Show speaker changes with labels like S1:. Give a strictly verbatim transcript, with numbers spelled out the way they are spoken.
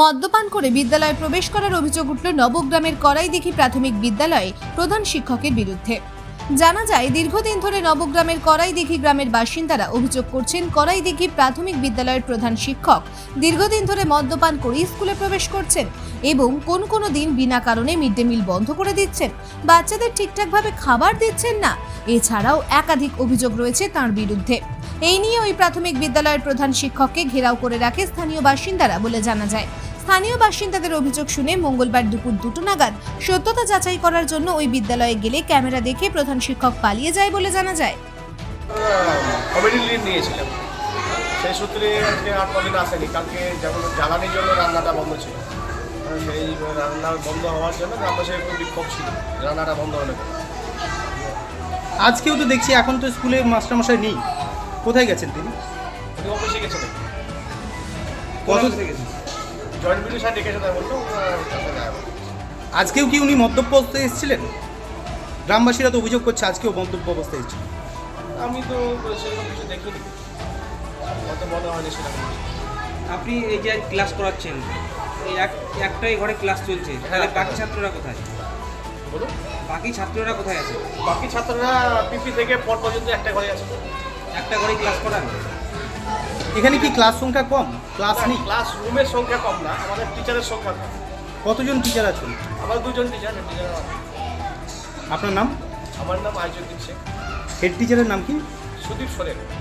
S1: মদ্যপান করে বিদ্যালয়ে প্রবেশ করার অভিযোগ উঠল নবগ্রামের করাইদিঘি প্রাথমিক বিদ্যালয়ে প্রধান শিক্ষকের বিরুদ্ধে। জানা যায়, দীর্ঘদিন ধরে নবগ্রামের করাইদিঘি গ্রামের বাসিন্দারা অভিযোগ করছেন, করাইদিঘি প্রাথমিক বিদ্যালয়ের প্রধান শিক্ষক দীর্ঘদিন ধরে মদ্যপান করে স্কুলে প্রবেশ করছেন এবং কোন কোনো দিন বিনা কারণে মিড ডে মিল বন্ধ করে দিচ্ছেন, বাচ্চাদের ঠিকঠাকভাবে খাবার দিচ্ছেন না। এছাড়াও একাধিক অভিযোগ রয়েছে তাঁর বিরুদ্ধে। এই নিয়ে ওই প্রাথমিক বিদ্যালয়ের প্রধান শিক্ষককে ঘেরাও করে রাখে স্থানীয় বাসিন্দারা বলে জানা যায়। স্থানীয় বাসিন্দাদের অভিযোগ শুনে মঙ্গলবার দুপুর দুটো নাগাদ সত্যতা যাচাই করার জন্য ওই বিদ্যালয়ে গেলে ক্যামেরা দেখে প্রধান শিক্ষক পালিয়ে যায় বলে জানা যায়।
S2: কমিটি লিড নিয়েছিলাম, সেই সূত্রে আজকে আর কদিন আসেনি। কালকে যেমন জ্বালানির জন্য রান্নাটা বন্ধ ছিল, সেই রান্না বন্ধ হওয়ার জন্য গ্রামবাসীর একটু বিক্ষোভ ছিল, রান্নাটা বন্ধ হলে।
S3: আজকেও তো দেখছি এখন তো স্কুলে মাস্টারমশাই নেই, কোথায় গেছেন তিনি?
S2: উনি অফিসে গেছেন।
S3: কত থেকে গেছেন?
S2: জয়েন্ট বিডিও সাহেব ডেকেছে, তাই বলতো
S3: আজকেও কি উনি মদ্যপ অবস্থায় এসেছিলেন? গ্রামবাসীরা তো অভিযোগ করছে আজকেও মদ্যপ অবস্থায় এসেছিলেন।
S2: আমি তো সেরকম কিছু দেখিনি, অত মনে হয়নি সেরকম।
S4: আপনি এই যে ক্লাস করাচ্ছেন, এই এক একটাই ঘরে ক্লাস চলছে, তাহলে বাকি ছাত্ররা কোথায়?
S2: বলুন,
S4: বাকি ছাত্ররা কোথায় আছে?
S2: বাকি ছাত্ররা পিপি থেকে পর পর্যন্ত একটা ঘরে আছে।
S4: একটা ঘরেই ক্লাস করান?
S3: এখানে কি ক্লাস সংখ্যা কম? ক্লাস নেই?
S2: ক্লাস রুমের সংখ্যা কম না, আমাদের টিচারের সংখ্যা কম।
S3: কতজন টিচার আছেন?
S2: আমার দুজন টিচার। টিচার
S3: আপনার নাম?
S2: আমার নাম আইজুদ্দিন শেখ।
S3: হেড টিচারের নাম কি?
S2: সুদীপ সোরেন।